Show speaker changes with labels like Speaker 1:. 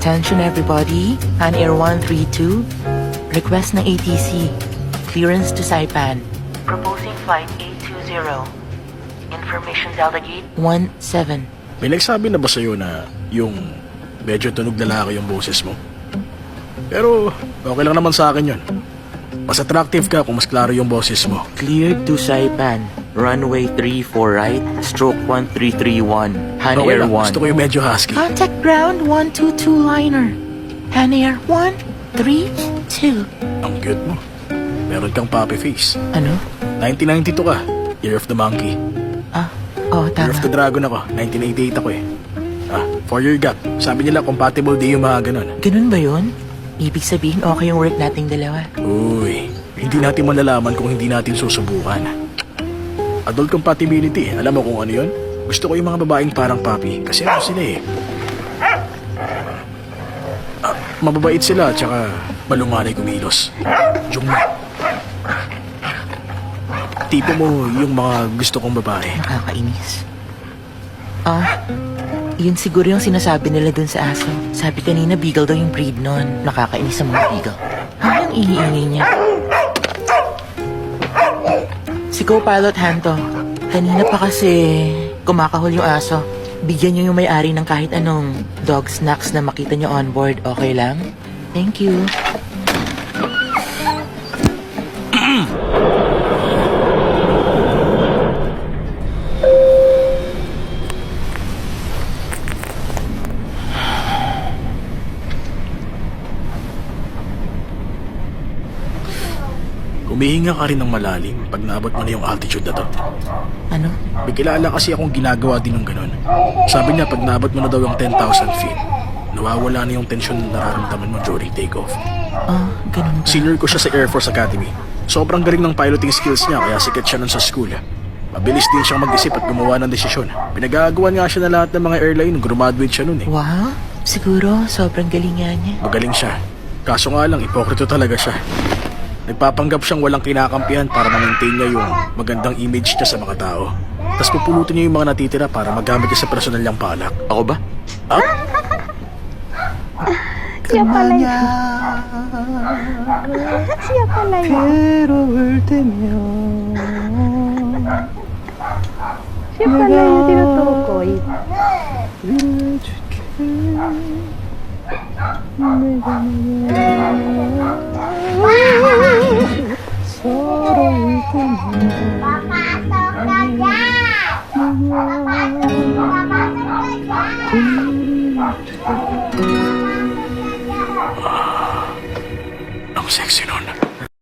Speaker 1: Attention everybody, Han Air 132, request ng ATC, clearance to Saipan. Proposing flight 820, information delegate 17.
Speaker 2: May nagsabi na ba sa'yo na yung medyo tunog lalaki yung boses mo? Pero okay lang naman sa akin yun. Mas attractive ka kung mas klaro yung boses mo.
Speaker 1: Cleared to Saipan, runway 34 right, stroke 1331, Han
Speaker 2: Okay
Speaker 1: Air
Speaker 2: lang,
Speaker 1: 1.
Speaker 2: gusto ko yung medyo husky.
Speaker 1: Contact ground 122 liner, Han Air 132.
Speaker 2: Ang cute mo. Meron kang puppy face.
Speaker 1: Ano?
Speaker 2: 1992 ka. Year of the Monkey.
Speaker 1: Oh,
Speaker 2: Year of the
Speaker 1: tama.
Speaker 2: Dragon ako. 1988 ako eh. 4-year gap. Sabi nila compatible di yung mga ganun.
Speaker 1: Ganun ba yun? Ibig sabihin okay yung work nating dalawa.
Speaker 2: Uy, hindi natin malalaman kung hindi natin susubukan. Adult compatibility, alam mo kung ano yun? Gusto ko yung mga babaeng parang papi kasi ano sila eh. Mababait sila at saka malunganay kumilos. Jungma. Tipo mo yung mga gusto kong babae.
Speaker 1: Nakakainis. Yun siguro yung sinasabi nila dun sa aso. Sabi kanina, beagle daw yung breed nun. Nakakainis ang mga beagle. Ang iingay niya. Si co-pilot Hanto, kanina pa kasi kumakahol yung aso. Bigyan niyo yung may-ari ng kahit anong dog snacks na makita niyo on board. Okay lang? Thank you.
Speaker 2: Humihinga ka rin ng malalim pag naabot mo na yung altitude na to.
Speaker 1: Ano?
Speaker 2: May kilala kasi akong ginagawa din ng ganun. Sabi niya pag naabot mo na daw yung 10,000 feet, nawawala na yung tension na nararamdaman mo during takeoff.
Speaker 1: Ganun ba?
Speaker 2: Senior ko siya sa Air Force Academy. Sobrang galing ng piloting skills niya kaya sikat siya nun sa school. Mabilis din siyang mag-isip at gumawa ng desisyon. Pinagagawan nga siya na lahat ng mga airline nung graduate siya nun eh.
Speaker 1: Wow, siguro sobrang galing nga niya.
Speaker 2: Magaling siya. Kaso nga lang, ipokrito talaga siya. Nagpapanggap siyang walang kinakampihan para ma-maintain niya yung magandang image niya sa mga tao. Tapos pupulutin niya yung mga natitira para magamit niya sa personal niyang palak. Ako ba?
Speaker 3: Siya pala yun. Siya pala yun. Siya pala yung tinutukoy.
Speaker 2: Ang sexy nun.